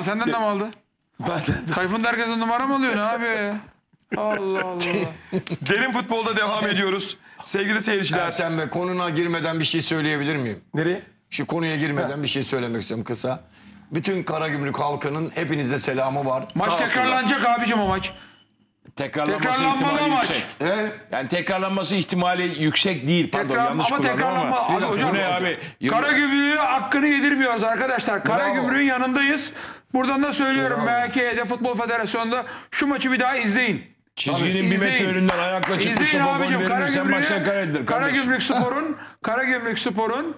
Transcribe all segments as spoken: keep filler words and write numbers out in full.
senden de mi aldı? Benden de. Tayfun da herkesten numara mı alıyor ne abi ya? Allah Allah. Derin futbolda devam ediyoruz. Sevgili seyirciler. Ertem Bey, konuna girmeden bir şey söyleyebilir miyim? Nereye? Şu konuya girmeden bir şey söylemek istiyorum kısa. Bütün Karagümrük halkının hepinize selamı var. Maç Sağ tekrarlanacak abicim o maç. Tekrarlanması Tekrarlanmalı ihtimali maç. yüksek. E? Yani tekrarlanması ihtimali yüksek değil. Pardon Tekrar, yanlış ama kullandım tekrarlanma. ama. Abi hocam, Bu ne abi? Karagümrük'e hakkını yedirmiyoruz arkadaşlar. Karagümrük'ün yanındayız. Buradan da söylüyorum. Bravo. M H K'de Futbol Federasyonu'nda şu maçı bir daha izleyin. Çizginin bir metre İzleyin. önünden ayakla çıkmışsa İzleyin bu gol abicim. verilirsen maçtan kaybedilir Karagümrük'ün kardeşim. Karagümrük Spor'un Karagümrük Spor'un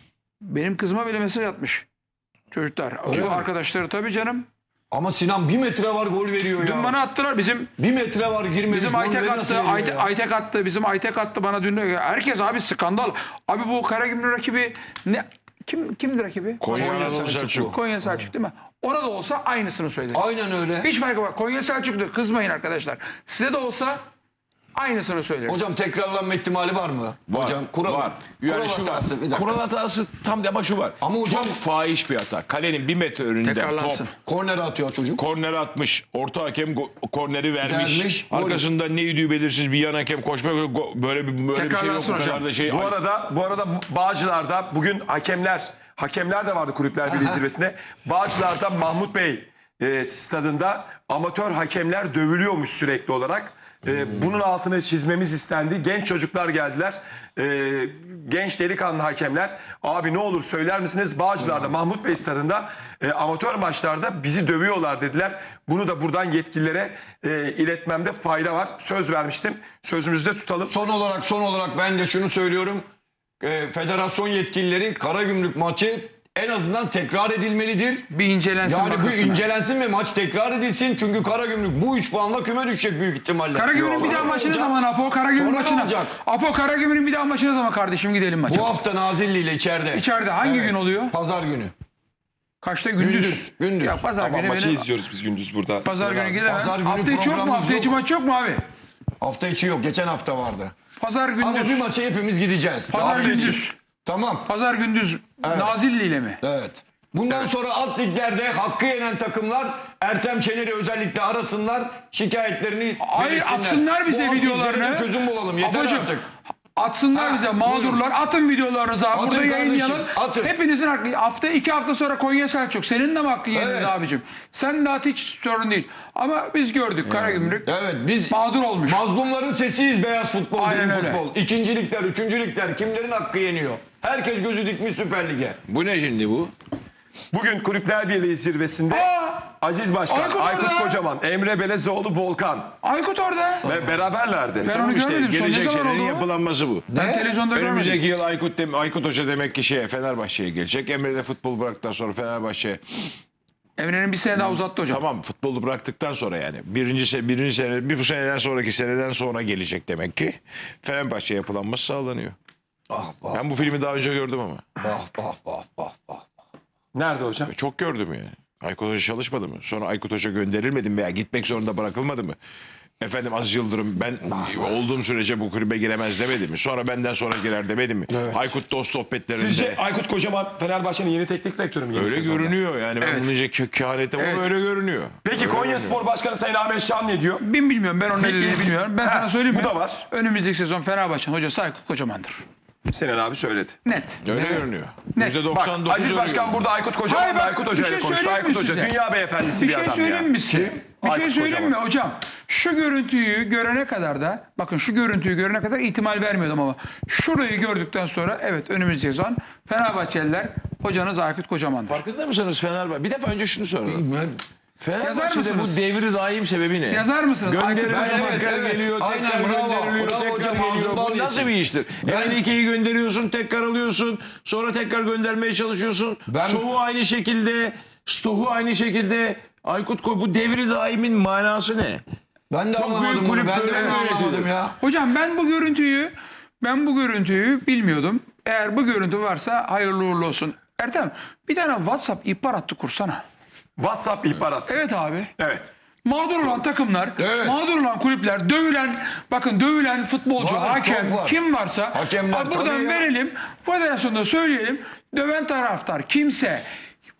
benim kızıma bile mesaj atmış. Çocuklar. O arkadaşları tabii canım. Ama Sinan bir metre var gol veriyor ya. Dün bana attılar. Bizim Bir metre var girmemiş. Bizim gol Aytek veri attı, nasıl veriyor Aytek, ya? Aytek attı, bizim Aytek attı bana dün. Herkes abi skandal. Abi bu Karagümrük rakibi ne? Kim kimdir rakibi? Konya Konya Anadolu Selçuk. Selçuk. Konya Selçuk değil mi? Ona da olsa aynısını söyleriz. Aynen öyle. Hiç farkı var. Konya Selçuk'tu. Kızmayın arkadaşlar. Size de olsa aynısını söyleriz. Hocam tekrarlanma ihtimali var mı? Var, Hocam kural, var. kural Yani şu var. hatası. Bir dakika. Kural hatası tam ama şu var. Ama hocam- Çok fahiş bir hata. Kalenin bir metre önünde Tekrarlansın. top. Korner atıyor çocuk. Korneri atmış. Orta hakem go- korneri vermiş. Vermiş, gol. Arkasında ne idüğü belirsiz bir yan hakem koşma go- böyle bir böyle bir şey yok. Tekrarlansın Bu kadar hocam. da şey. Bu arada bu arada Bağcılar'da bugün hakemler hakemler de vardı Kulüpler Birliği zirvesinde. Bağcılar'da Mahmut Bey e, stadında amatör hakemler dövülüyormuş sürekli olarak. E, bunun altını çizmemiz istendi. Genç çocuklar geldiler. E, genç delikanlı hakemler. Abi ne olur söyler misiniz? Bağcılar'da Mahmut Bey stadında e, amatör maçlarda bizi dövüyorlar dediler. Bunu da buradan yetkililere e, iletmemde fayda var. Söz vermiştim. Sözümüzü de tutalım. Son olarak son olarak ben de şunu söylüyorum. Ee, federasyon yetkilileri Karagümrük maçı en azından tekrar edilmelidir. Bir incelensin Yani bu bakılsın. incelensin ve maç tekrar edilsin. Çünkü Karagümrük bu üç puanla küme düşecek büyük ihtimalle. Karagümrük'ün bir daha maçı ne olacak? zaman Apo? Karagümrük Sonra ne maçına. olacak? Apo Karagümrük'ün bir daha maçı ne zaman kardeşim gidelim maça? Bu hafta Nazilli ile içeride. İçeride hangi gün oluyor? Pazar günü. Kaçta? Gündüz. Gündüz, gündüz. Ya pazar Ama günü maçı benim- izliyoruz biz gündüz burada. Pazar Sayın günü abi. gidemem. Pazar günü Hafta içi yok mu? programımız Hafta içi yok. maç yok mu abi? Hafta içi yok. Geçen hafta vardı. Pazar gündüz. Ama bir maça hepimiz gideceğiz. Pazar Hafta içi. gündüz. Tamam. Pazar gündüz Nazilli ile mi? Evet. Bundan sonra alt liglerde hakkı yenen takımlar Ertem Şener'i özellikle arasınlar, şikayetlerini Hayır, belirsinler. atsınlar bize Bu alt videolarını. liglere çözüm bulalım. Yeter Ablacığım, artık. Atsınlar Ha, bize mağdurlar. Atın videolarınızı abi. Atın Burada kardeşim, yayınlayalım. atın. Hepinizin hakkı. Hafta iki hafta sonra Konya Selçuk. Senin de mi hakkı yenildi Evet. abicim? Sen de at, hiç sorun değil. Ama biz gördük Karagümrük. Evet, biz Mağdur olmuş. mazlumların sesiyiz beyaz futbol, Aynen derin öyle. futbol. İkincilikler, üçüncülükler kimlerin hakkı yeniyor? Herkes gözü dikmiş Süper Lig'e. Bu ne şimdi bu? Bugün Kulüpler Birliği zirvesinde Aa, Aziz Başkan, Aykut Aykut, orada. Kocaman, Emre Belezoğlu, Volkan Aykut orada. ve beraberlerdi. Ben onu İşte görmedim. Son ne gelecek zaman senenin oldu? yapılanması bu. Ben televizyonda Önümüzdeki görmedim. yıl Aykut, dem Aykut Hoca demek ki şeye Fenerbahçe'ye gelecek. Emre de futbol bıraktıktan sonra Fenerbahçe Emre'nin bir sene daha uzattı hocam. tamam futbolu bıraktıktan sonra yani birinci se birinci sene bir bu seneden sonraki seneden sonra gelecek demek ki Fenerbahçe yapılanması sağlanıyor. Ah bah Ben bu filmi daha önce gördüm ama. bah bah bah bah bah. Nerede hocam? Çok gördüm yani. Aykut Hoca çalışmadı mı? Sonra Aykut Hoca gönderilmedi mi veya gitmek zorunda bırakılmadı mı? Efendim Aziz Yıldırım ben olduğum sürece bu kulübe giremez demedi mi? Sonra benden sonra girer demedi mi? Evet. Aykut dost sohbetlerinde. Sizce Aykut Kocaman Fenerbahçe'nin yeni teknik direktörü mü? yeni Öyle sezonda? görünüyor yani ben Evet. bunu iyice ke- kehanetim Evet. ama öyle görünüyor. Peki Öyle Konya görünüyor. Spor Başkanı Sayın Ahmet Şan ne diyor? Ben bilmiyorum. Ben onun ne dediğini iz- bilmiyorum. Ben Ha, sana söyleyeyim bu mi? da var. Önümüzdeki sezon Fenerbahçe'nin hocası Aykut Kocaman'dır. Sinan abi söyledi. Net. Öyle Ne? görünüyor. Net. yüzde Bak doksan dokuz Aziz öyle Başkan görünüyor. burada Aykut Hayır, Kocaman ve bak, Aykut bir Hoca şey ile konuştu. söyleyeyim Aykut mi Hoca size? dünya beyefendisi Bir bir, şey adam söyleyeyim ya. mi size? Bir şey Aykut söyleyeyim Kocaman. mi hocam? Şu görüntüyü görene kadar da bakın şu görüntüyü görene kadar ihtimal vermiyordum ama şurayı gördükten sonra evet önümüzdeki sezon Fenerbahçeliler hocanız Aykut Kocaman'dır. Farkında mısınız Fenerbahçe? Bir defa önce şunu soralım. Ben, Fenerbahçe'de mısınız? bu devri daim sebebi ne? Yazar mısınız? Aykut Gönderiyor, Ben- Kocaman. evet, tekrar evet. geliyor, Aynen, tekrar bravo. gönderiliyor, Bravo tekrar hocam, geliyor. ağzından Bu nasıl yesin. bir iştir? Ben- Enrique'yi gönderiyorsun, tekrar alıyorsun, sonra tekrar göndermeye çalışıyorsun. Ben- Stoh'u aynı şekilde, Stoh'u aynı şekilde. Aykut Koy, bu devri daimin manası ne? ben de Çok anlamadım büyük bunu. kulüp Ben de böyle bunu anlamadım yönetilir. ya. Hocam ben bu görüntüyü ben bu görüntüyü bilmiyordum. Eğer bu görüntü varsa hayırlı uğurlu olsun. Ertem bir tane WhatsApp ihbar hattı kursana. WhatsApp ihbarat. Evet abi. Evet. Mağdur olan takımlar, Evet. mağdur olan kulüpler, dövülen, bakın dövülen futbolcu, Var, hakem, çok var. kim varsa Hakemler, abi buradan tabii ya. verelim, federasyonda söyleyelim. Döven taraftar kimse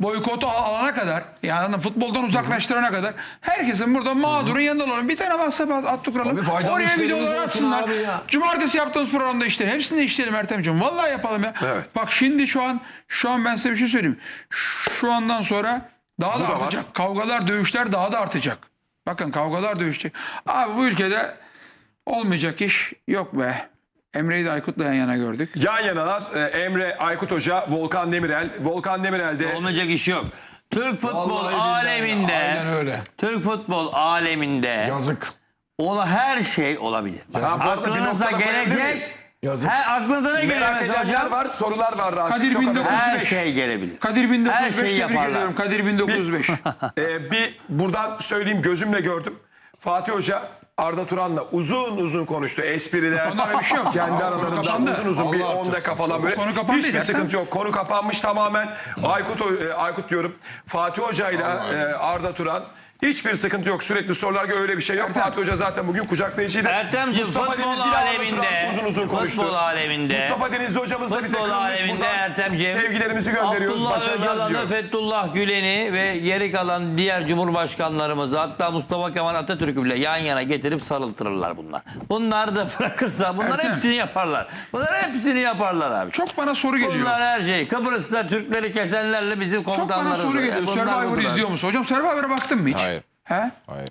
boykotu al- alana kadar, yani futboldan uzaklaştırana kadar herkesin burada mağdurun yanında olalım. Bir tane WhatsApp at, at kuralım. Abi faydalı Oraya işlerimiz videolar olsun atsınlar. abi ya. Cumartesi yaptığımız programda işleyelim. Hepsini de işleyelim Ertem'ciğim. Vallahi yapalım ya. Evet. Bak şimdi şu an şu an ben size bir şey söyleyeyim. Şu andan sonra daha da da var. artacak. Kavgalar, dövüşler daha da artacak. Bakın kavgalar, dövüşecek. Abi bu ülkede olmayacak iş yok be. Emre'yi de Aykut'la yan yana gördük. Yan yanalar e, Emre Aykut Hoca, Volkan Demirel. Volkan Demirel de Olmayacak iş yok. Türk futbol Vallahi billahi. aleminde, Aynen öyle. Türk futbol aleminde Yazık. ola her şey olabilir. Bak, Ha, bu arada bir aklınıza noktada koyabilir miyim? gelecek, Yazık. her aklınıza ne geliyor merak mesela edenler hocam? var, sorular var Rasim. Kadir Çok bin önemli. dokuz yüz Her beş. şey gelebilir. Kadir bin dokuz Her yüz beş şeyi tebrik yaparlar. ediyorum. Kadir bin dokuz yüz beş. Ee, bir buradan söyleyeyim, gözümle gördüm. Fatih Hoca Arda Turan'la uzun uzun konuştu. Espriler. Onlara bir şey yok. Kendi aralarında kapandı. uzun uzun bir Allah on dakika artırsın. falan böyle. Konu kapandı Hiçbir ya. sıkıntı yok. Konu kapanmış tamamen. Aykut Ho- e, Aykut diyorum. Fatih Hoca ile e, Arda Turan. Hiçbir sıkıntı yok. Sürekli sorular öyle bir şey yok. Fatih Hoca zaten bugün kucaklayıcıydı. Ertem'ciğim Mustafa futbol Denizli ile Arda aleminde, Turan uzun uzun konuştu. futbol aleminde, Mustafa Denizli hocamız da bize futbol kırılmış aleminde buradan. Ertem'ciğim, Sevgilerimizi gönderiyoruz. Abdullah Başarılar Öcalan'ı, diliyorum. Fethullah Gülen'i ve geri kalan diğer cumhurbaşkanlarımızı, hatta Mustafa Kemal Atatürk'ü bile yan yana getirip sarıltırırlar bunlar. Bunlar da bırakırsa bunlar Ertem. hepsini yaparlar. Bunlar hepsini yaparlar abi. Çok bana soru geliyor. Bunlar her şey. Kıbrıs'ta Türkleri kesenlerle bizim Çok komutanlarımız. bana soru geliyor. Bunlar Survivor'ı bunlar. izliyor musun? Hocam Survivor'a baktın mı hiç? Hayır. He? Hayır.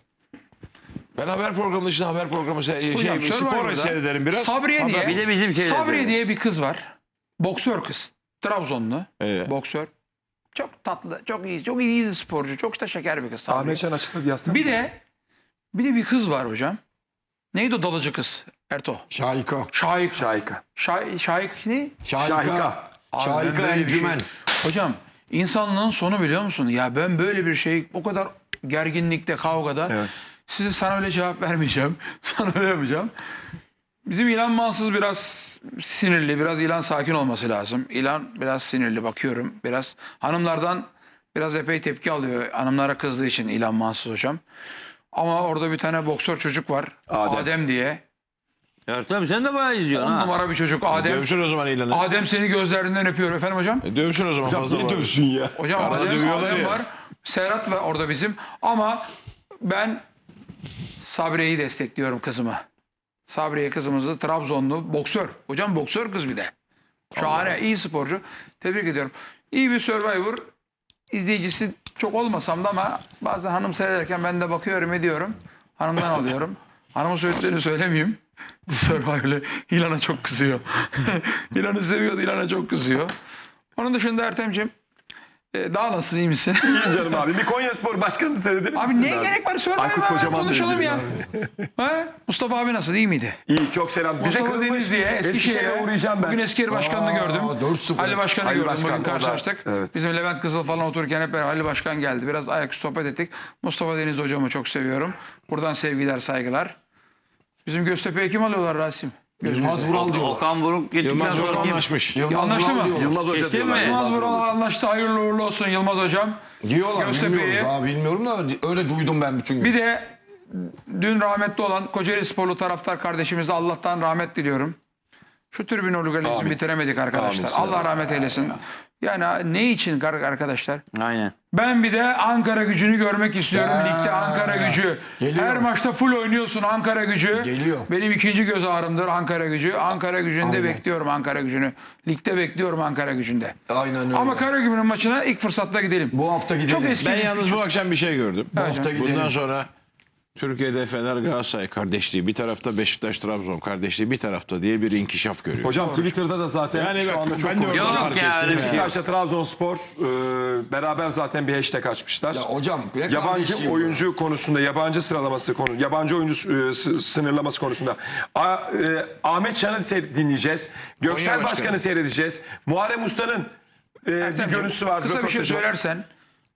Ben haber programı dışında haber programı se- Hocam, şey, spor Survivor'da seyrederim biraz. Sabriye Haber- diye, Bir de bizim şeyler Sabriye seyrediyoruz. diye bir kız var. Boksör kız. Trabzonlu. Ee? Boksör. Çok tatlı, çok iyi, çok iyi sporcu. Çok da şeker bir kız. Sabriye. Ahmet Can açıkladı yazsana. Bir de bir de bir kız var hocam. Neydi o dalıcı kız? Erto. Şahika. Şahik. Şahika. Şahik, Şahik ne? Şahika. Şahika. Abi Şahika ben böyle bir şey- encümen. Hocam insanlığın sonu biliyor musun? Ya ben böyle bir şey o kadar gerginlikte, kavgada Evet. size sana öyle cevap vermeyeceğim. Sana öyle yapacağım. Bizim İlhan Mansız biraz sinirli, biraz İlhan sakin olması lazım. İlhan biraz sinirli bakıyorum. Biraz hanımlardan biraz epey tepki alıyor. Hanımlara kızdığı için İlhan Mansız hocam. Ama orada bir tane boksör çocuk var. Adem. Adem, diye. Ertem sen de bayağı izliyorsun On ha. numara bir çocuk. Adem. Dövsün o zaman ilanı. Adem seni gözlerinden öpüyor efendim hocam. E, Dövsün o zaman fazla var. ya? Hocam Arada Adem, dövüyorlar Adem ya. var. Serhat var orada bizim. Ama ben Sabriye'yi destekliyorum kızımı. Sabriye kızımızı Trabzonlu boksör. Hocam boksör kız bir de. Şahane, iyi sporcu. Tebrik ediyorum. İyi bir Survivor izleyicisi çok olmasam da ama bazen hanım seyrederken ben de bakıyorum ediyorum. Hanımdan alıyorum. Hanımın söylediklerini söylemeyeyim. Survivor'le İlhan'a çok kızıyor. İlhan'ı seviyordu, İlhan'a çok kızıyor. Onun dışında Ertem'ciğim e, daha nasılsın, iyi misin? İyiyim canım abi. Bir Konyaspor başkanını seyredelim Abi misiniz neye gerek var? Survivor'a Aykut Kocaman da konuşalım ya. ilgili Ha? Mustafa abi nasıl, iyi miydi? İyi, çok selam. Bize Mustafa kırılmış Deniz diye Eskişehir'e Eskişehir'e uğrayacağım ben. Bugün Eskişehir Başkanı'nı Aa, gördüm. dört sıfır. Ali Başkan'ı Ali gördüm. Başkan Bugün orada. karşılaştık. Evet. Bizim Levent Kızıl falan otururken hep beraber Ali Başkan geldi. Biraz ayaküstü sohbet ettik. Mustafa Deniz hocamı çok seviyorum. Buradan sevgiler, saygılar. Bizim Göztepe'ye kim alıyorlar Rasim? Yılmaz Vural diyorlar. Okan Buruk gittikten Yılmaz sonra Vural kim? anlaşmış. Yılmaz Anlaştı Vural mı? diyorlar. Yılmaz Hoca Kesin diyorlar. mi? Yılmaz Yılmaz Vural Hoca. anlaştı. Hayırlı uğurlu olsun Yılmaz hocam. Diyorlar Göztepe'yi- bilmiyoruz abi bilmiyorum da öyle duydum ben bütün gün. Bir de dün rahmetli olan Kocaeli Sporlu taraftar kardeşimize Allah'tan rahmet diliyorum. Şu tribün organizmi Amin. bitiremedik arkadaşlar. Amin. Allah rahmet eylesin. Yani ne için arkadaşlar? Aynen. Ben bir de Ankara Gücü'nü görmek istiyorum. Ya. Ligde Ankara Gücü. Geliyor. Her maçta full oynuyorsun Ankara Gücü. Geliyor. Benim ikinci göz ağrımdır Ankara Gücü. Ankara Gücü'nde Aynen. bekliyorum Ankara Gücü'nü. Ligde bekliyorum Ankara Gücü'nde. Aynen öyle. Ama Karagümrük'ün maçına ilk fırsatta gidelim. bu hafta gidelim. Çok eski. Ben yalnız bu akşam bir şey gördüm. Bu hafta gidelim. Bundan sonra Türkiye'de Fener Galatasaray kardeşliği bir tarafta, Beşiktaş Trabzon kardeşliği bir tarafta diye bir inkişaf görüyor. Hocam Twitter'da da zaten Yani şu bak, anda çok ben de konuşuluyor. orada Yok fark ya, ettim. öyle bir şey yok. Beşiktaş'la Trabzonspor e, beraber zaten bir hashtag açmışlar. Ya hocam ne Yabancı kardeşliği bu? oyuncu konusunda, yabancı sıralaması konu, yabancı oyuncu e, s- sınırlaması konusunda A- e, Ahmet Şan'ı seyr- dinleyeceğiz. Göksel Konya Başkan'ı Başkanı. seyredeceğiz. Muharrem Usta'nın e, bir Ertemciğim, görüntüsü var. Kısa bir şey röportajı var. söylersen.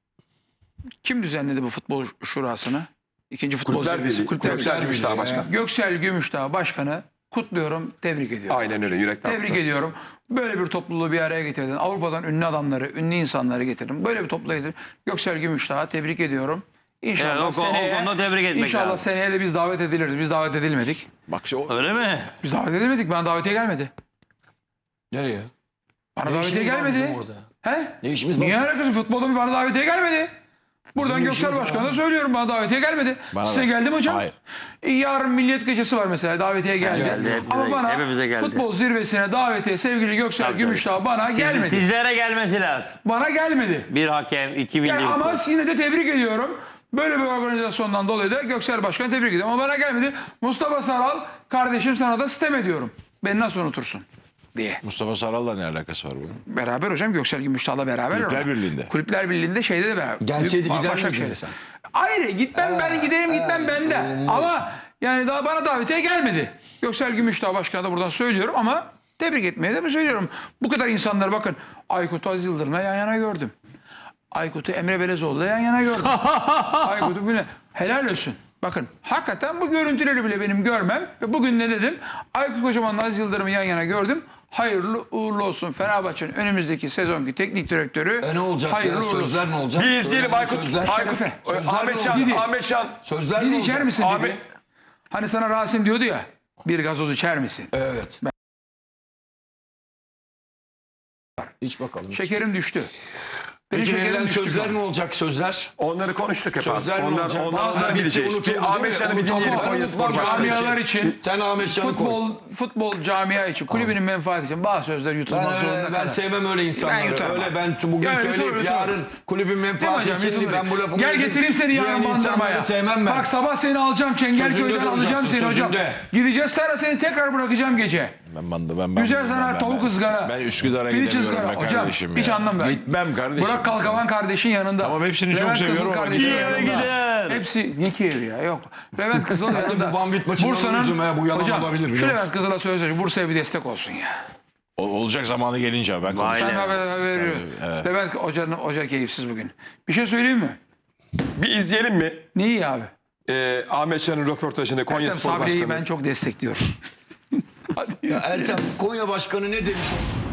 Kim düzenledi bu futbol şurasını? İkinci futbol Kulüpler zirvesi. Birliği. Kulüpler Göksel Birliği. Gümüşdağ Birliği Başkan. Göksel Gümüşdağ Başkanı kutluyorum, tebrik ediyorum. Aynen öyle, yürekten. Tebrik kutlarız. ediyorum. Böyle bir topluluğu bir araya getirdin. Avrupa'dan ünlü adamları, ünlü insanları getirdin. Böyle bir topluluğu getirdin. Göksel Gümüşdağ'a tebrik ediyorum. İnşallah Evet, o- o seneye, konuda tebrik etmek İnşallah lazım. seneye de biz davet ediliriz. Biz davet edilmedik. Bak işte o, Öyle mi? Biz davet edilmedik. Bana davetiye gelmedi. Nereye? Bana Ne davetiye işimiz var gelmedi. bizim orada? He? Ne işimiz var? Niye alakası? Futbolda bir bana davetiye gelmedi. Buradan Bizim Göksel işimiz var Başkan'a abi. söylüyorum, bana davetiye gelmedi. Bana Size da. geldi mi hocam? Hayır. E, Yarın Milliyet Gecesi var mesela, davetiye geldi. Geldi, hepimize- Ama bana hepimize geldi. futbol zirvesine davetiye sevgili Göksel Tabii, Gümüşdağ bana Siz- gelmedi. Sizlere gelmesi lazım. Bana gelmedi. Bir hakem, iki milli. Yani ama yine de tebrik ediyorum. Böyle bir organizasyondan dolayı da Göksel Başkan'ı tebrik ediyorum. Ama bana gelmedi. Mustafa Saral, kardeşim sana da sitem ediyorum. Beni nasıl unutursun diye. Mustafa Saral'la ne alakası var bunun? Beraber hocam, Göksel Gümüşdağ'la beraber. Kulüpler orada. Birliği'nde. Kulüpler Birliği'nde şeyde de beraber. Gelseydi Büyük- gider Başakşehir'de. miydin sen? Hayır, gitmem ben, giderim gitmem ben de. olmaz. Ama yani daha bana davetiye gelmedi. Göksel Gümüşdağ Başkan'a da buradan söylüyorum ama tebrik etmeye de mi söylüyorum. Bu kadar insanlar, bakın, Aykut Aziz Yıldırım'la yan yana gördüm. Aykut'u Emre Belezoğlu'yla yan yana gördüm. Aykut'u bile helal olsun. Bakın hakikaten bu görüntüleri bile benim görmem. Ve bugün ne dedim? Aykut Kocaman'la Aziz Yıldırım'ı yan yana gördüm. Hayırlı uğurlu olsun. Fenerbahçe'nin önümüzdeki sezonki teknik direktörü. E ne olacak hayırlı ya? uğurlu olsun. Sözler ne olacak? Bir izleyelim Söylenen Aykut. Sözler, Aykut. Şerefe. Ö, Sözler Ahmet ne Şan. olacak? Ahmet Şan. Sözler Bir ne içer olacak? misin dedi. Ahmet- Hani sana Rasim diyordu ya, bir gazoz içer misin? Evet. İç bakalım. Şekerim düştü. Benim Peki şekerim verilen düştü. sözler ne olacak sözler? Onları konuştuk hep Sözler abi. ne Onlar, olacak? onlar, Bazıları onlar bitti, bileceğiz. unutuldu Bir değil Ahmet mi? Şan'ı bir Unutuldu. dinleyelim Ben Konya Spor unutmam Başkanı. Camialar için, Sen Ahmet Şan'ı koy. futbol, futbol camia için, kulübünün menfaati için bazı sözler yutulmak Ben, zorunda öyle, ben kalır. sevmem öyle insanları. Ben yutarım öyle abi. ben bugün Yani söyleyip yutarım, yutarım. yarın kulübün Değil mi menfaati hocam? için Yutulur. ben bu lafımı Gel edeyim getireyim seni diyen yarın insanları bandırmaya. sevmem ben. Bak sabah seni alacağım, Çengelköy'den Sözünde alacağım duracaksın, seni hocam. sözünde. Gideceğiz sonra seni tekrar bırakacağım gece. Ben bandı ben ben. Güzel ben- sana ben- tavuk ben- ızgara. Ben Üsküdar'a Piliç gidemiyorum ızgara. be Hocam kardeşim hiç ya. anlam ver. Gitmem kardeşim. Burak Kalkavan kardeşin yanında. Tamam, hepsini çok Levent seviyorum Kızıl ama kardeşin giderim. yanında. Gider. Hepsi ne Kiev'i ya, yok. Levent Kızıl Hadi yanında. bu Bambit maçından Bursa'nın- üzülme, bu yalan hocam, olabilir, biliyor şu musun? Levent Kızıl'a söz ver. Bursa'ya bir destek olsun ya. O- olacak zamanı gelince ben Vay konuşacağım. Ben be. haber, haber veriyorum. evet. Levent hocanın hoca keyifsiz bugün. Bir şey söyleyeyim mi? Bir izleyelim mi? Neyi abi? Ee, Ahmet Şan'ın röportajını Konya Ertem Spor Sabri'yi Başkanı. ben çok destekliyorum. Hadi Ya Ertem Konya Başkanı ne demiş?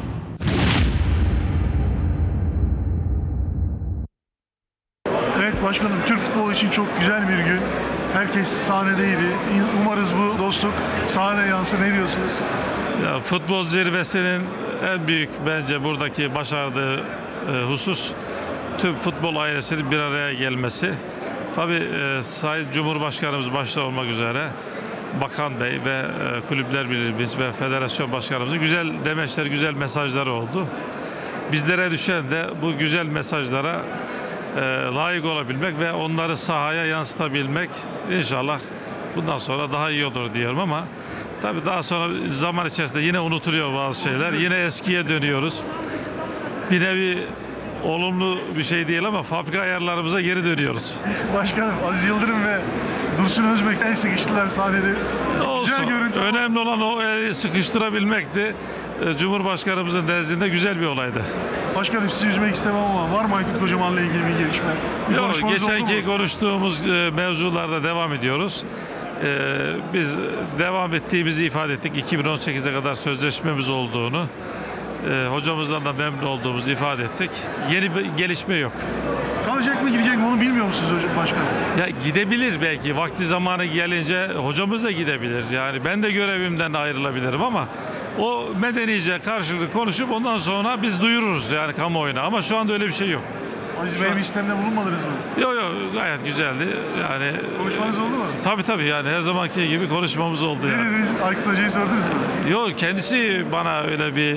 Evet başkanım, Türk futbolu için çok güzel bir gün. Herkes sahnedeydi. Umarız bu dostluk sahneye yansır. Ne diyorsunuz? Ya, futbol zirvesinin en büyük bence buradaki başardığı e, husus tüm futbol ailesinin bir araya gelmesi. Tabii e, Sayın Cumhurbaşkanımız başta olmak üzere Bakan Bey ve e, Kulüpler Birliğimiz ve Federasyon Başkanımızın güzel demeçler, güzel mesajları oldu. Bizlere düşen de bu güzel mesajlara e, layık olabilmek ve onları sahaya yansıtabilmek. İnşallah bundan sonra daha iyi olur diyorum ama tabii daha sonra zaman içerisinde yine unutuluyor bazı şeyler. Yine eskiye dönüyoruz. Bir nevi olumlu bir şey değil ama fabrika ayarlarımıza geri dönüyoruz. Başkanım, Aziz Yıldırım ve Dursun Özbek en sıkıştılar sahnede. Olsun. Güzel görüntü. Önemli olan o e, sıkıştırabilmekti. E, Cumhurbaşkanımızın nezdinde güzel bir olaydı. Başkanım, sizi üzmek istemem ama var mı Aykut Kocaman'la ilgili bir gelişme? Bir Yok, konuşmanız oldu geçenki mu? konuştuğumuz e, mevzularda devam ediyoruz. E, biz devam ettiğimizi ifade ettik. iki bin on sekize kadar sözleşmemiz olduğunu, e, hocamızdan da memnun olduğumuzu ifade ettik. Yeni bir gelişme yok. Kalacak mı gidecek mi onu bilmiyor musunuz hocam başkanım? Ya gidebilir belki vakti zamanı gelince hocamız da gidebilir. Yani ben de görevimden ayrılabilirim ama o medenice karşılıklı konuşup ondan sonra biz duyururuz yani kamuoyuna ama şu anda öyle bir şey yok. Aziz Bey'e bir istemde bulunmadınız mı? Yok yok gayet güzeldi. Yani Konuşmanız oldu mu? tabii tabii yani her zamanki gibi konuşmamız oldu Ne yani. dediniz? Aykut Hoca'yı sordunuz mu? Yok kendisi bana öyle bir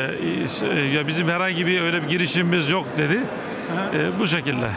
e, ya bizim herhangi bir öyle bir girişimimiz yok dedi. E, bu şekilde.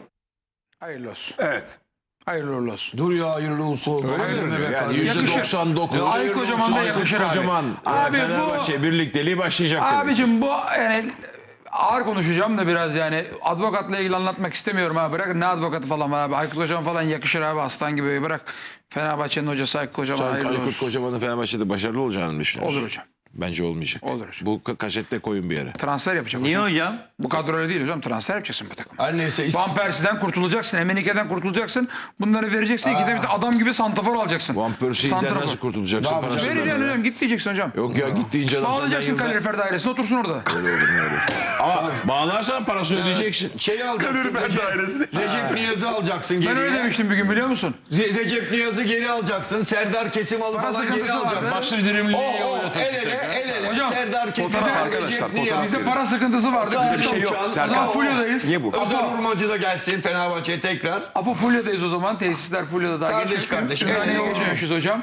Hayırlı olsun. Evet. Hayırlı uğurlu olsun. Dur ya hayırlı olsun. Öyle mi be Yani kardeşim? yüzde doksan dokuz. Aykut Kocaman da yakışır abi. Kocaman. Abi bu- Fenerbahçe birlikteliği başlayacak. demek. Abicim bu yani ağır konuşacağım da biraz yani advokatla ilgili anlatmak istemiyorum abi. Bırakın ne advokatı falan var abi. Aykut Kocaman falan yakışır abi, aslan gibi. Bırak Fenerbahçe'nin hocası Aykut Kocaman, Sen hayırlı Aykut olsun. Kocaman'ın Fenerbahçe'de başarılı olacağını mı düşünüyorsun? Olur hocam. Bence olmayacak. Olur hocam. Bu ka- kasette koyun bir yere. Transfer yapacak Niye hocam. hocam? Bu kadro öyle değil hocam. Transfer yapacaksın bu takım. Her neyse. ist- Van Persie'den kurtulacaksın. Emenike'den kurtulacaksın. Bunları vereceksin. Gidip bir de adam gibi santrafor alacaksın. Van Persie'den Santrafor. nasıl kurtulacaksın? Ne yapacaksın? Parasını Vereceksin ver. hocam. Git diyeceksin hocam. Yok ya git deyince adam Bağlayacaksın senden yılda- kalorifer dairesine, otursun orada. Öyle olur, ne olur. Ama bağlarsan parasını ödeyeceksin. Şeyi alacaksın. Ben Recep, dairesini. Recep Niyaz'ı alacaksın Ben geriye. öyle demiştim bir gün, biliyor musun? Re- Recep Niyaz'ı geri alacaksın. Serdar Kesimal'ı Para falan geri sıkıntısı vardı. alacaksın. Basri Dirimli'yi O, o oynatır. el ele el ele Hocam, Serdar Kesin fotoğraf ve arkadaşlar, Cenk fotoğraf Niyazi. Bizde para sıkıntısı vardı. Sağ Biz bir şey de- yok. O zaman Serkan. Fulya'dayız. Niye bu? Özel Apo, Urmacı da gelsin Fenerbahçe'ye tekrar. Apo Fulya'dayız o zaman. Tesisler Fulya'da daha Kardeş geçmedik. kardeş, Ümraniye'ye evet. geçmemişiz hocam.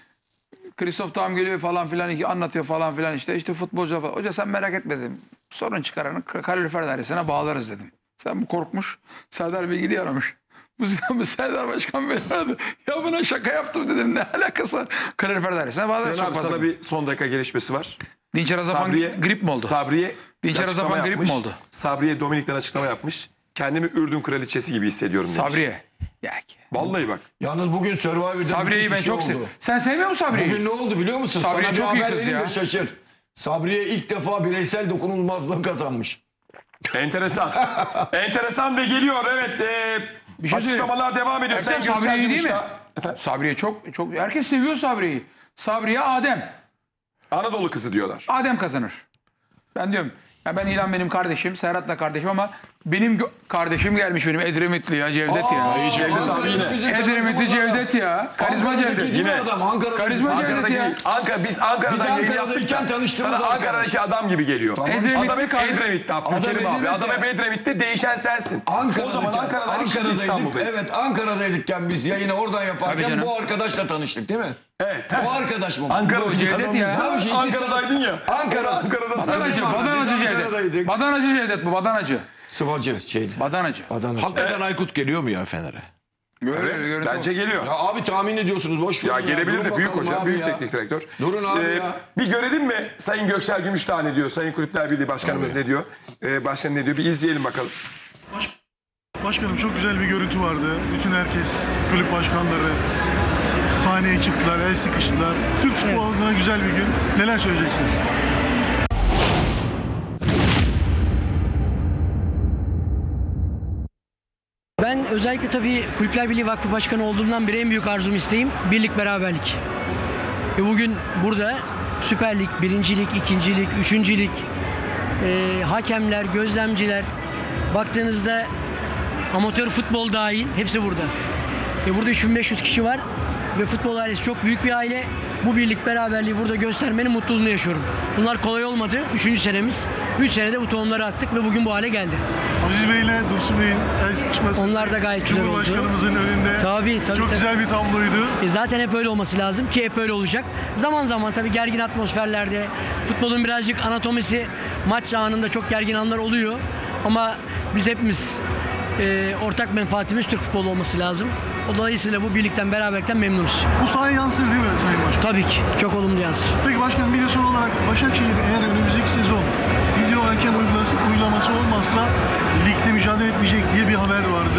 Kristof tam geliyor falan filan anlatıyor falan filan işte. İşte futbolcu falan. Hoca sen merak etme dedim. Sorun çıkaranı kalorifer dairesine bağlarız dedim. Sen bu korkmuş. Serdar Bilgili aramış. Bu yüzden Serdar Başkan beni aradı. Ya buna şaka yaptım dedim. Ne alakası var? Kalorifer dairesine bağlarız. Sinan Çok abi fazla. sana bir son dakika gelişmesi var. Dinçer Azapan Sabriye, grip mi oldu? Sabriye Dinçer bir açıklama Azapan grip yapmış. mi oldu? Sabriye Dominik'ten açıklama yapmış. Kendimi Ürdün kraliçesi gibi hissediyorum demiş. Sabriye. Ya ki. Vallahi bak. Yalnız bugün Survivor'da Sabriye'yi müthiş bir ben şey çok oldu. seviyorum. Sen sevmiyor musun Sabriye'yi? Bugün ne oldu biliyor musun? Sabriye Sana bir çok iyi haber kız vereyim ya. de şaşır. Sabriye ilk defa bireysel dokunulmazlığı kazanmış. Enteresan. Enteresan ve geliyor. Evet. E, Bir şey açıklamalar devam ediyor. Ertem Sayın Sabriye iyi Göksel değil mi? Gümüşdağ. Sabriye çok çok herkes seviyor Sabriye'yi. Sabriye Adem. Anadolu kızı diyorlar. Adem kazanır. Ben diyorum ya ben İlhan benim kardeşim, Serhat da kardeşim ama benim gö- kardeşim gelmiş benim Edremitli ya Cevdet ya. Cevdet abi yine. Edremitli Cevdet ya. Karizma Cevdet. Yine adam Ankara'da. Karizma Cevdet Ankara'daki ya. Ankara biz Ankara'dan Biz yayın Ankara'dayken yaptık ya. tanıştığımız Sana arkadaş. Ankara'daki adam gibi geliyor. Tamam. Edremitli Adam hep kar- Edremit'te Adam Abdülkerim abi. Edremit'te. Adam hep Edremit'te değişen sensin. Ankara'daki, O zaman Ankara'dan şimdi Ankara'daydık. İstanbul'dayız. Evet Ankara'daydıkken biz yayını oradan Tabii yaparken canım. bu arkadaşla tanıştık değil mi? Evet. Bu arkadaş mı? Ankara'daki Cevdet adam ya. Sen Abi iki Ankara'daydın ya. Ankara. Ankara'da sen Badanacı, Biz badanacı Cevdet. Ankara'daydık. Badanacı Cevdet bu, badanacı. Sıvacı şeydi. Badanacı. Adana. Hakikaten Aykut geliyor mu ya Fener'e? Öyle, Evet, görüntü bence geliyor. Ya abi tahmin ediyorsunuz boş verin Ya gelebilir Durun de büyük bakalım hoca, abi büyük ya. teknik direktör. Durun abi ya. Bir görelim mi Sayın Göksel Gümüşdağ ne diyor? Sayın Kulüpler Birliği Başkanımız ne diyor? Ee, başkan ne diyor? Bir izleyelim bakalım. Başkanım çok güzel bir görüntü vardı. Bütün herkes, kulüp başkanları sahneye çıktılar, el sıkıştılar. Türk futbolu adına güzel bir gün. Neler söyleyeceksiniz? Ben özellikle tabii Kulüpler Birliği Vakfı Başkanı olduğumdan beri en büyük arzum isteğim birlik beraberlik. Ve bugün burada Süper Lig, Birinci Lig, İkinci Lig, Üçüncü Lig, e, hakemler, gözlemciler, baktığınızda amatör futbol dahil hepsi burada. Ve burada üç bin beş yüz kişi var ve futbol ailesi çok büyük bir aile. Bu birlik beraberliği burada göstermenin mutluluğunu yaşıyorum. Bunlar kolay olmadı. Üçüncü senemiz. Üç senede bu tohumları attık ve bugün bu hale geldi. Aziz Bey ile Dursun Bey'in el sıkışması. Onlar da gayet güzel oldu. Cumhurbaşkanımızın önünde. Tabii, tabii, Çok tabii. güzel bir tabloydu. E zaten hep öyle olması lazım ki hep öyle olacak. Zaman zaman tabii gergin atmosferlerde futbolun birazcık anatomisi maç anında çok gergin anlar oluyor. Ama biz hepimiz e, ortak menfaatimiz Türk futbolu olması lazım. Dolayısıyla bu birlikten beraberlikten memnunuz. Bu sahaya yansır değil mi Sayın Başkan? Tabii ki çok olumlu yansır. Peki başkanım bir de son olarak Başakşehir eğer önümüzdeki sezon video hakem uygulaması, uygulaması olmazsa ligde mücadele etmeyecek diye bir haber vardı.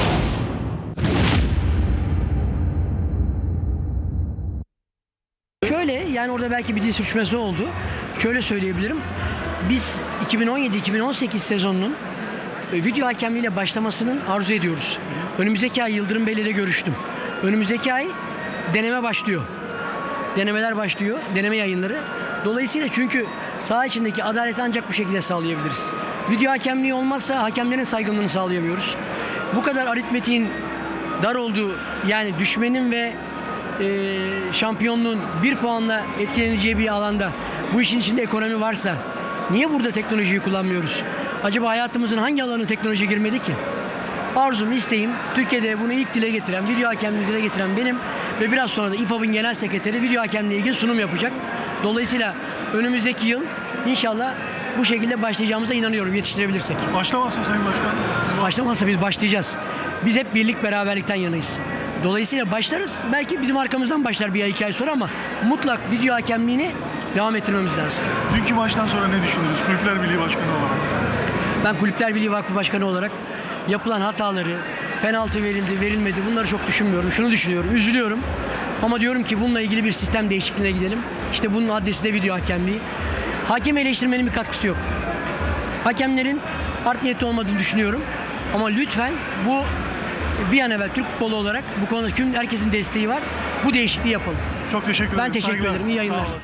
Şöyle yani orada belki bir dil sürçmesi oldu. Şöyle söyleyebilirim. Biz iki bin on yedi iki bin on sekiz sezonunun e, video hakemliğiyle başlamasının arzu ediyoruz. Önümüzdeki ay Yıldırım Bey'le de görüştüm. Önümüzdeki ay deneme başlıyor. Denemeler başlıyor. Deneme yayınları. Dolayısıyla çünkü saha içindeki adaleti ancak bu şekilde sağlayabiliriz. Video hakemliği olmazsa hakemlerin saygınlığını sağlayamıyoruz. Bu kadar aritmetiğin dar olduğu yani düşmenin ve e, şampiyonluğun bir puanla etkileneceği bir alanda bu işin içinde ekonomi varsa niye burada teknolojiyi kullanmıyoruz? Acaba hayatımızın hangi alanı teknoloji girmedi ki? Arzum, isteğim Türkiye'de bunu ilk dile getiren, video hakemliği dile getiren benim ve biraz sonra da İ F A B'ın genel sekreteri video hakemliği ilgili sunum yapacak. Dolayısıyla önümüzdeki yıl inşallah bu şekilde başlayacağımıza inanıyorum yetiştirebilirsek. Başlamazsa Sayın Başkan. siz- Başlamazsa biz başlayacağız. Biz hep birlik beraberlikten yanayız. Dolayısıyla başlarız. Belki bizim arkamızdan başlar bir ay iki ay sonra ama mutlak video hakemliğini devam ettirmemiz lazım. Dünkü maçtan sonra ne düşündünüz Kulüpler Birliği Başkanı olarak? Ben Kulüpler Birliği Vakfı Başkanı olarak yapılan hataları, penaltı verildi, verilmedi bunları çok düşünmüyorum. Şunu düşünüyorum, üzülüyorum. Ama diyorum ki bununla ilgili bir sistem değişikliğine gidelim. İşte bunun adresi de video hakemliği. Hakem eleştirmenin bir katkısı yok. Hakemlerin art niyetli olmadığını düşünüyorum. Ama lütfen bu bir an evvel Türk futbolu olarak bu konuda tüm herkesin desteği var. Bu değişikliği yapalım. Çok teşekkür ederim. Ben teşekkür Saygılar. ederim. İyi yayınlar. Sağ olun.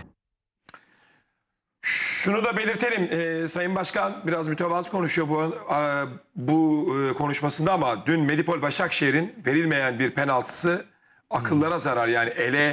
Şunu da belirtelim. Ee, Sayın Başkan biraz mütevazı konuşuyor bu e, bu e, konuşmasında ama dün Medipol Başakşehir'in verilmeyen bir penaltısı akıllara zarar. Yani ele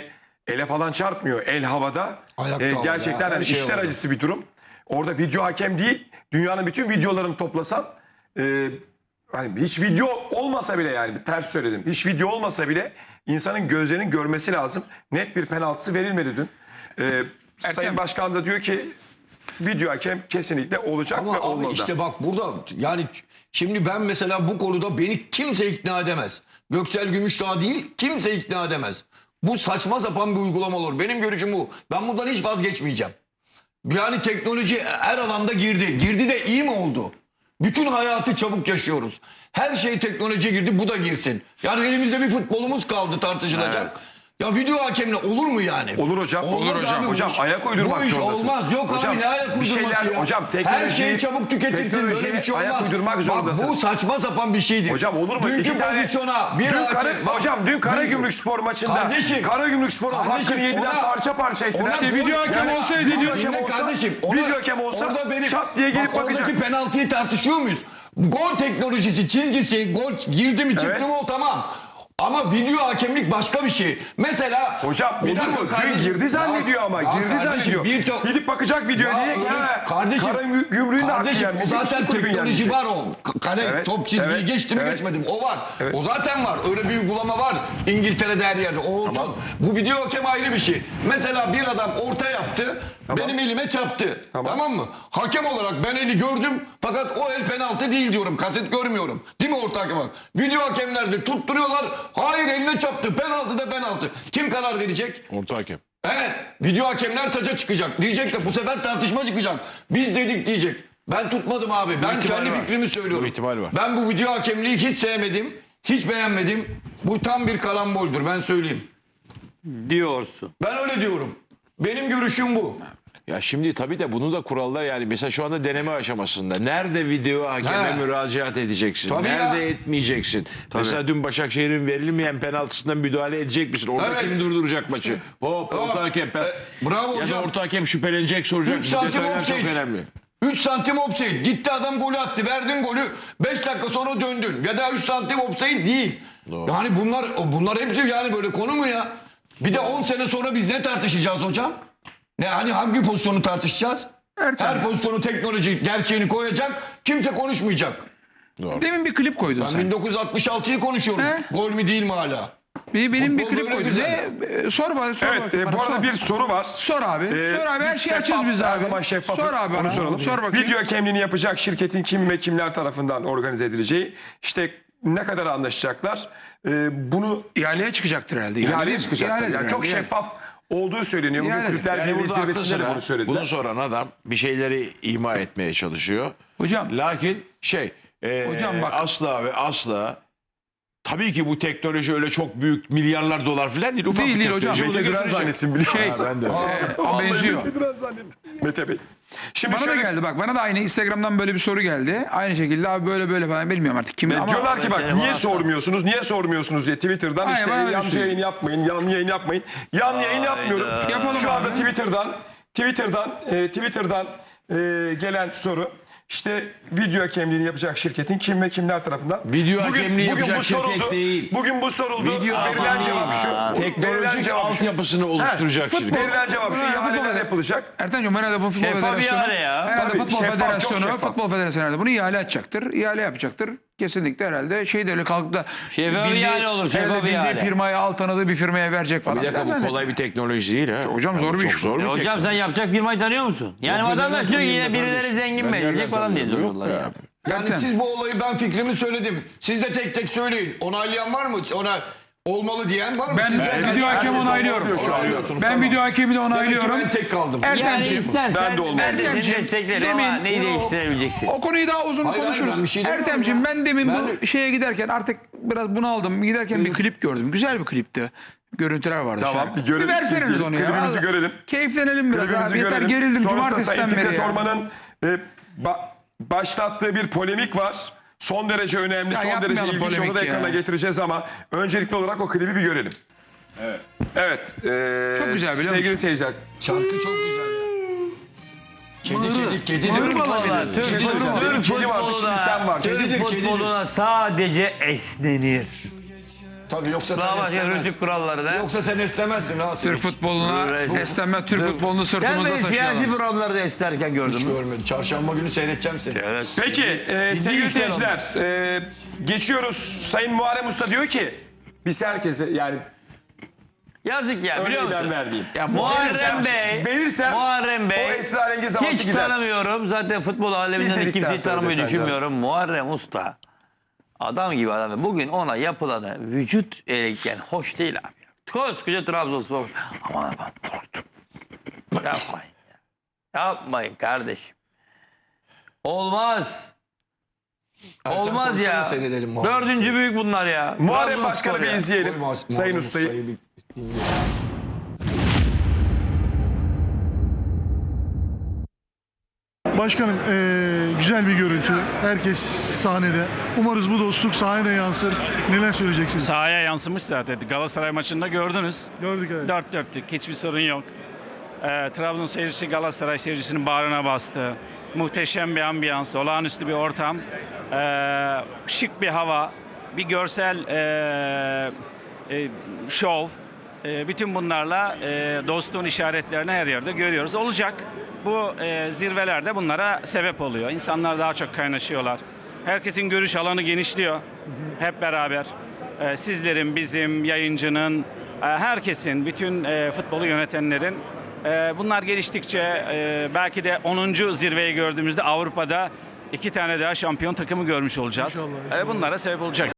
ele falan çarpmıyor. El havada. Ayakta E, havada, gerçekten her hani şey işler havada. acısı bir durum. Orada video hakem değil, dünyanın bütün videolarını toplasan e, hani hiç video olmasa bile, yani ters söyledim. Hiç video olmasa bile insanın gözlerinin görmesi lazım. Net bir penaltısı verilmedi dün. E, Sayın Başkan da diyor ki video hakem kesinlikle olacak Ama ve abi olmalı. işte bak burada yani şimdi ben mesela bu konuda beni kimse ikna edemez. Göksel Gümüşdağ değil, kimse ikna edemez. Bu saçma sapan bir uygulama olur. Benim görüşüm bu. Ben bundan hiç vazgeçmeyeceğim. Yani teknoloji her alanda girdi. Girdi de iyi mi oldu? Bütün hayatı çabuk yaşıyoruz. Her şey teknolojiye girdi, bu da girsin. Yani elimizde bir futbolumuz kaldı tartışılacak. Ya video hakemle olur mu yani? Olur hocam. Olmaz olur hocam. abi bu Hocam iş. ayak uydurmak Bu iş zorundasınız. olmaz. Yok hocam, abi ne ayak bir uydurması şeyler, ya? Hocam Her teknolojiyi- şey çabuk tüketilsin, böyle bir şey teknolojiye olmaz. ayak uydurmak Bak zorundasınız. bu saçma sapan bir şeydir. Hocam olur mu? Dünkü İki tane- pozisyona bir Dün hakem... Kara, Bak, hocam dün Karagümrük dün- Spor maçında Kardeşim, Karagümrük Spor'un kardeşim, hakkını yediler, ona- parça parça ettiler. ona İşte bu- video hakem yani- olsaydı, Dinle video hakem olsa, kardeşim, ona- video hakem olsa orada benim- çat diye gelip bak, bakacak. Oradaki penaltıyı tartışıyor muyuz? Gol teknolojisi, çizgisi, gol girdi mi çıktı Evet. mı o tamam. Ama video hakemlik başka bir şey. Mesela... Hocam Bir olur dakika mu? Dün kardeşim, girdi zannediyor ya- ama. ya girdi kardeşim, zannediyor. bir to- Gidip bakacak videoya Ya diye ki öyle- ha, kardeşim, Karagümrük'ün de hakkı Kardeşim yenmiş. o zaten Hiçbir kulübün teknoloji yenmeyecek. var o. K- Kale Evet, top çizgiyi evet, geçti mi evet. geçmedi mi? O var. Evet. O zaten var. Öyle bir uygulama var. İngiltere'de her yerde. O olsun. Bu video hakem ayrı bir şey. Mesela bir adam orta yaptı. Benim elime çarptı. Tamam. Tamam. mı? Hakem olarak ben eli gördüm. Fakat o el penaltı değil diyorum. Kaset görmüyorum. Değil mi orta hakem? Video hakemlerde tutturuyorlar. Hayır eline çarptı. Penaltı da penaltı. Kim karar verecek? Orta hakem. Evet. Video hakemler taca çıkacak. Diyecek de bu sefer tartışma çıkacak. Biz dedik diyecek. Ben tutmadım abi. Ben ihtimal kendi var. fikrimi söylüyorum. Bu ihtimal var. Ben bu video hakemliği hiç sevmedim. Hiç beğenmedim. Bu tam bir karamboldür ben söyleyeyim. Diyorsun. Ben öyle diyorum. Benim görüşüm bu. Ya şimdi tabii de bunu da kurallar, yani mesela şu anda deneme aşamasında. Nerede video hakeme He. müracaat edeceksin? Tabii Nerede ya. etmeyeceksin? Mesela dün Başakşehir'in verilmeyen penaltısından müdahale edecek misin? Orada Evet. kim durduracak maçı? Hop, orta hakem. pen- E, bravo ya da hocam. orta hakem şüphelenecek, soracak. üç Bu santim detaylar çok offside. önemli. üç santim offside. Gitti adam golü attı. Verdin golü. beş dakika sonra döndün. Ya da üç santim offside değil. Doğru. Yani bunlar bunlar hepsi yani böyle konu mu ya? Bir de on sene sonra biz ne tartışacağız hocam? Ne hani hangi pozisyonu tartışacağız? Her pozisyonu teknoloji gerçeğini koyacak. Kimse konuşmayacak. Demin bir klip koydun Ben sen. bin dokuz yüz altmış altıyı konuşuyoruz. He? Gol mü değil mi hala? Bir, benim bir Futbol klip böyle koydun. güzel. Ne? E, Sor bana. Sor Evet, bakayım e, bana, bu arada sor. bir soru var. Sor abi. Ee, sor abi. Her biz şeyi açız şeffaf, biz abi. Her zaman şeffafız. Sor abi Onu bana. soralım. Sor bakayım. Video hakemliğini yapacak şirketin kim ve kimler tarafından organize edileceği, işte ne kadar anlaşacaklar. Ee, bunu İhaleye çıkacaktır herhalde. ihaleye çıkacaktır. İhaledir Yani çok herhalde. şeffaf olduğu söyleniyor. Bugün İhaledir. Kulüpler Yani Birliği burada aklı zirvesinde de sıra bunu söylediler. bunu soran adam bir şeyleri ima etmeye çalışıyor. Hocam. Lakin şey e, Hocam bak- asla ve asla tabii ki bu teknoloji öyle çok büyük milyarlar dolar falan değil. Ufak Değil, bir değil hocam. teknoloji. Mete Bunu Duran getirecek. zannettim biliyor Şey, musun? Ben de. Ama benziyor. Mete Duran zannettim. Mete Bey. Şimdi Bana da şöyle, geldi bak. Bana da aynı Instagram'dan böyle bir soru geldi. Aynı şekilde abi böyle böyle falan bilmiyorum artık kimi Ve ama diyorlar ki bak telefon niye atsam. sormuyorsunuz, niye sormuyorsunuz diye Twitter'dan Aynen, işte bana öyle yanlış söylüyor. yayın yapmayın, yanlı yayın yapmayın. Yanlı yayın yapmıyorum. Yapalım Şu anda abi. Twitter'dan, Twitter'dan, e, Twitter'dan e, gelen soru. İşte video hakemliğini yapacak şirketin kim ve kimler tarafından? Video hakemliği yapacak bu şirket soruldu. değil. Bugün bu soruldu. Video Verilen hakemliği, cevap şu. Verilen teknolojik cevap şu. altyapısını oluşturacak He, şirket. Verilen cevap şu. Futbol- İhaleler futbol- yapılacak. Ertan'cığım herhalde bu futbol Şeffaf federasyonu. ihale ya. Herhalde Tabii, futbol şeffaf, çok federasyonu, şeffaf. futbol federasyonu herhalde bunu ihale edecektir. İhale yapacaktır. Kesinlikle herhalde şey de öyle kalkıp da Şeffaf bildiği- ihale olur, şeffaf herhalde bildiği ihale. firmaya al tanıdığı bir firmaya verecek falan. Bir dakika Yani bu kolay bir teknoloji değil ha. Hocam zor bir çok iş bu. zor bir E hocam sen teknoloji. yapacak firmayı tanıyor musun? Yani Yok, ben vatandaş nereden diyor ki yine tanıyorum birileri kardeşim? zengin Ben mi edecek nereden falan diye tanıyorum? soruyorlar Yok ya. be abi. Yani Ertem. siz bu olayı ben fikrimi söyledim. Siz de tek tek söyleyin. Onaylayan var mı? Ona olmalı diyen var mı? Ben Siz de- ben video hakem herkes onaylıyorum. onaylıyor şu an. Onaylıyorsunuz, Ben tamam. video hakemi de Demek ki onaylıyorum. ben tek kaldım. Yani Ertemciğim. istersen Ben de olmam. ben de seni Ertemciğim, desteklerim ama demin- neyi Yok. değiştirebileceksin? O konuyu daha uzun Hayır, hayır, konuşuruz. ben bir şey demiyorum Ertemciğim ya. ben demin Ben- bu şeye giderken artık biraz bunaldım. Giderken bir Buyur. klip gördüm. Güzel bir klipti. Görüntüler vardı. Tamam, şarkı. bir görelim, Bir verseniz izleyelim. onu ya. Klibimizi Allah- görelim. Keyiflenelim biraz Klibimizi abi. Yeter görelim. gerildim Sonrasında cumartesiden Sayın beri Fikret ya. Orman'ın e, ba- başlattığı bir polemik var. Son derece önemli, Ya son derece yapmayalım ilginç. Onu da polemik ya. ekrana getireceğiz ama öncelikli olarak o klibi bir görelim. Evet. Evet. e, Çok güzel, biliyor Sevgili musun? seyirciler. Şarkı çok güzel ya. Kedi kedi kedi. Türk Türk futboluna, Türk şey söyleyeceğim. futboluna, Kedi vardı, şimdi sen varsın. Türk Kedidir, futboluna sadece esnenir. Tabii yoksa sen Daha başka esnemez. rütük kuralları da. Yoksa sen esnemezsin Rasim. Türk futboluna esneme, Türk futbolunu Sen sırtımızda beni siyasi taşıyalım. programlarda isterken gördün Hiç mü? görmedim. Çarşamba günü seyredeceğim seni. Evet. Peki e, sevgili bir şey seyirciler e, geçiyoruz. Sayın Muharrem Usta diyor ki biz herkese yani Yazık ya biliyor örneği ben musun? vermeyeyim. Muharrem Verirsem- Bey, verirsem Muharrem Bey o esrarengiz havası hiç gider. tanımıyorum. Zaten futbol aleminden de İzledikten kimseyi sonra tanımayı desen düşünmüyorum. Muharrem Usta adam gibi adam. Bugün ona yapılanı vücut eğikken hoş değil abi. Koskoca Trabzonspor. Aman aman korktum. Yapmayın ya. Yapmayın kardeşim. Olmaz. Ertem Olmaz koysana ya. seyredelim Muharrem. Dördüncü büyük bunlar ya. Muharrem Trabzonspor Başkan'ı bir ya. izleyelim. Koy Muharrem Sayın Usta'yı. bir dinleyelim. Başkanım eee, güzel bir görüntü. Herkes sahnede. Umarız bu dostluk sahnede yansır. Neler söyleyeceksiniz? Sahaya yansımış zaten. Galatasaray maçında gördünüz. Gördük evet. Dört dörtlük. Hiçbir sorun yok. Ee, Trabzon seyircisi Galatasaray seyircisinin bağrına bastı. Muhteşem bir ambiyans, olağanüstü bir ortam. Ee, şık bir hava, bir görsel ee, e, şov. Ee, bütün bunlarla ee, dostluğun işaretlerini her yerde görüyoruz. Olacak. Bu ee, zirvelerde bunlara sebep oluyor. İnsanlar daha çok kaynaşıyorlar. Herkesin görüş alanı genişliyor. Hep beraber. Ee, sizlerin, bizim, yayıncının, e, herkesin, bütün e, futbolu yönetenlerin e, bunlar geliştikçe e, belki de onuncu zirveyi gördüğümüzde Avrupa'da iki tane daha şampiyon takımı görmüş olacağız. İnşallah, E, inşallah. bunlara sebep olacak.